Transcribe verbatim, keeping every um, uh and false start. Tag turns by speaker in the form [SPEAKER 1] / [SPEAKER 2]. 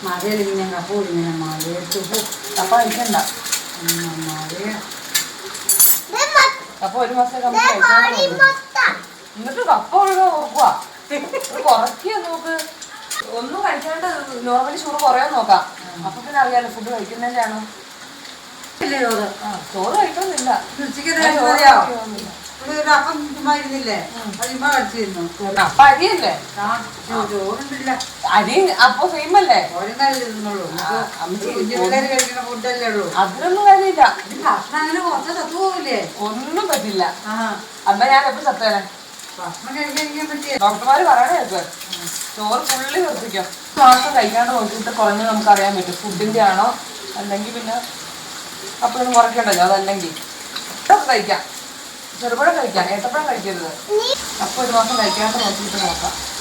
[SPEAKER 1] മഴയിൽ ഇങ്ങനെ കപ്പ ഇങ്ങനെ മഴയത്ത്
[SPEAKER 2] കപ്പ കഴിക്കണ്ട.
[SPEAKER 1] മഴ
[SPEAKER 2] കപ്പ ഒരു മാസം കഴിക്കാൻ എന്നിട്ട് കപ്പ ഒഴുകാൻ ഓർക്കുക കുറയ്ക്കുക നോക്ക്. ഒന്നും കഴിക്കാണ്ട് നോർമലി ഷുഗർ കുറയാൻ നോക്കാം. അപ്പൊ പിന്നെ അറിയാലോ ഫുഡ് കഴിക്കുന്നതിന്റെ ആണോ.
[SPEAKER 1] ചോറ്
[SPEAKER 2] ആ ചോറ് കഴിക്കണമെന്നില്ല.
[SPEAKER 1] അപ്പം ചുമ്മാ ഇരുന്നില്ലേ ചുമ്മാ കഴിച്ചിരുന്നു.
[SPEAKER 2] അപ്പൊ അരിയല്ലേ
[SPEAKER 1] ചോറുണ്ടില്ല.
[SPEAKER 2] അരി അപ്പൊ സെയിം അല്ലേ.
[SPEAKER 1] ഓരോ കഴിക്കുന്നുള്ളൂ. കുഞ്ഞുപിള്ളേര് കഴിക്കുന്ന ഫുഡല്ലേ ഉള്ളൂ.
[SPEAKER 2] അതിലൊന്നും കാര്യമില്ല.
[SPEAKER 1] ഭക്ഷണം അങ്ങനെ കുറച്ച് തത്തു പോവില്ലേ.
[SPEAKER 2] ഒന്നും പറ്റില്ല.
[SPEAKER 1] ആ
[SPEAKER 2] അമ്മ ഞാൻ എപ്പോ സത്തേനെ
[SPEAKER 1] ഭക്ഷണം കഴിക്കാതിരിക്കാൻ പറ്റിയ
[SPEAKER 2] ഡോക്ടർമാര് പറയണേ കേക്ക് ചോറ് ഫുള്ളി നിർത്തിക്കും. മാസം കഴിക്കാണ്ട് നോക്കിയിട്ട് കുറഞ്ഞ് നമുക്ക് അറിയാൻ പറ്റും ഫുഡിന്റെ ആണോ അല്ലെങ്കിൽ പിന്നെ അപ്പോഴൊന്നും കുറയ്ക്കണ്ടല്ലോ. അതല്ലെങ്കിൽ ഇതൊക്കെ കഴിക്കാം. ചെറുപഴം കഴിക്കാം, ഏത്തപ്പഴം കഴിക്കരുത്. അപ്പൊ ഒരു മാസം കഴിക്കാണ്ട് നോക്കിയിട്ട് നോക്കാം.